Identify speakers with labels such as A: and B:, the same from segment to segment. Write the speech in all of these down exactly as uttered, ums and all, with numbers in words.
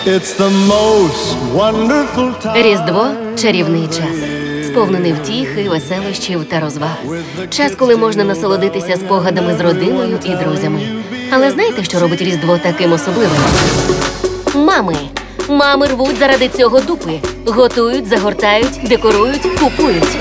A: It's the most wonderful time.
B: Різдво – чарівний час, сповнений втіхи, веселощів та розваг. Час, коли можна насолодитися спогадами з родиною і друзями. Але знаєте, що робить Різдво таким особливим? Мами. Мами рвуть заради цього дупи. Готують, загортають, декорують, купують.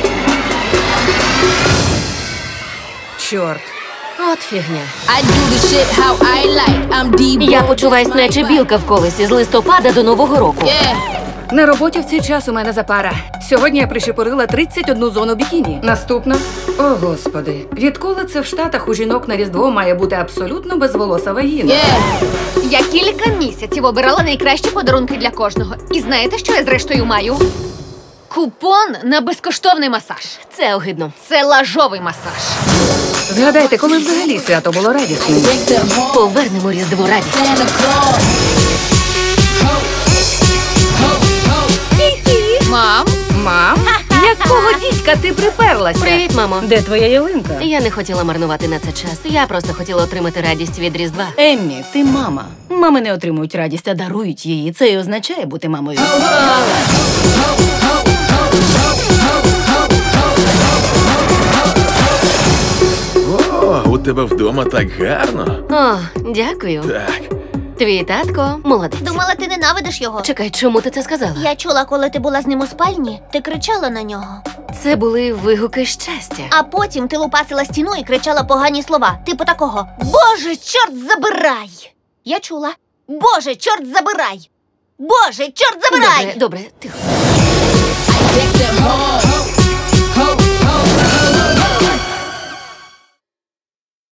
C: Чорт.
B: От фігня.
D: I do the shit how I like. I'm deep.
B: Я почуваюсь, наче білка в колесі з листопада до Нового року.
D: Yeah.
C: На роботі в цей час у мене запара. Сьогодні я прищепорила тридцять одну зону бікіні. Наступна. О, Господи. Відколи це в Штатах у жінок на Різдво має бути абсолютно безволоса вагіна?
D: Yeah.
E: Я кілька місяців обирала найкращі подарунки для кожного. І знаєте, що я зрештою маю? Купон на безкоштовний масаж.
B: Це огидно.
E: Це лажовий масаж.
C: Згадайте, коли взагалі свято було радісним.
D: Break the heart.
B: Повернемо Різдву радість.
D: Santa Claus.
E: Мам,
C: Мам? Якого дідька ти приперлася?
B: Привіт, мамо.
C: Де твоя ялинка?
B: Я не хотіла марнувати на це час. Я просто хотіла отримати радість від Різдва.
F: Еммі, ти мама. Мами не отримують радість, а дарують її. Це і означає бути мамою.
G: О, у тебе вдома так гарно.
B: О, дякую.
G: Так.
B: Твій татко молодець.
H: Думала, ти ненавидиш його.
B: Чекай, чому ти це сказала?
H: Я чула, коли ти була з ним у спальні, ти кричала на нього.
B: Це були вигуки щастя.
H: А потім ти лупасила стіну і кричала погані слова. Типу такого: Боже, чорт забирай! Я чула. Боже, чорт забирай! Боже, чорт забирай!
B: Добре, добре, тихо.
D: Break the heart.